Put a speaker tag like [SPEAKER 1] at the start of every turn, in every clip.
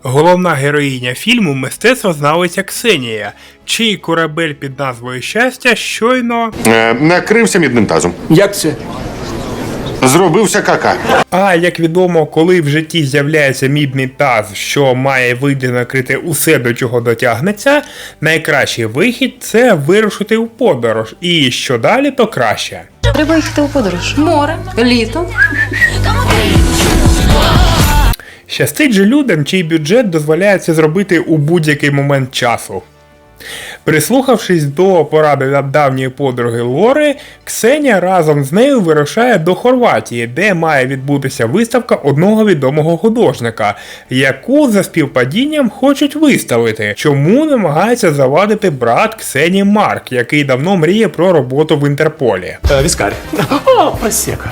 [SPEAKER 1] Головна героїня фільму – мистецтвознавиця Ксенія, чий корабель під назвою «Щастя» щойно
[SPEAKER 2] Накрився мідним тазом.
[SPEAKER 3] Як це?
[SPEAKER 2] Зробився кака.
[SPEAKER 1] А, як відомо, коли в житті з'являється мідний таз, що має вийти накрити усе, до чого дотягнеться, найкращий вихід – це вирушити у подорож. І що далі, то краще.
[SPEAKER 4] Треба їхати у подорож. Море, літо.
[SPEAKER 1] Щастить же людям, чий бюджет дозволяє це зробити у будь-який момент часу. Прислухавшись до поради давньої подруги Лори, Ксенія разом з нею вирушає до Хорватії, де має відбутися виставка одного відомого художника, яку за співпадінням хочуть виставити, чому намагається завадити брат Ксенії Марк, який давно мріє про роботу в Інтерполі.
[SPEAKER 3] Віскарь. О, просека.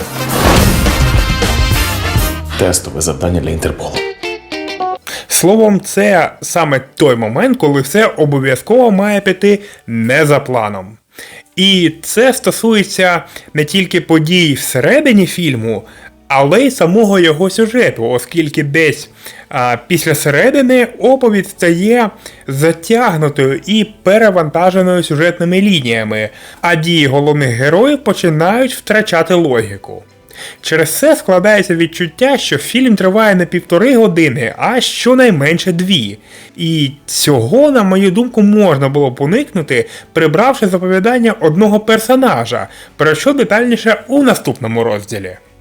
[SPEAKER 3] Тестове завдання для Інтерполу.
[SPEAKER 1] Словом, це саме той момент, коли все обов'язково має піти не за планом. І це стосується не тільки подій всередині фільму, але й самого його сюжету, оскільки десь після середини оповідь стає затягнутою і перевантаженою сюжетними лініями, а дії головних героїв починають втрачати логіку. Через це складається відчуття, що фільм триває не 1,5 години, а щонайменше 2. І цього, на мою думку, можна було б уникнути, прибравши заповідання одного персонажа, про що детальніше у наступному розділі.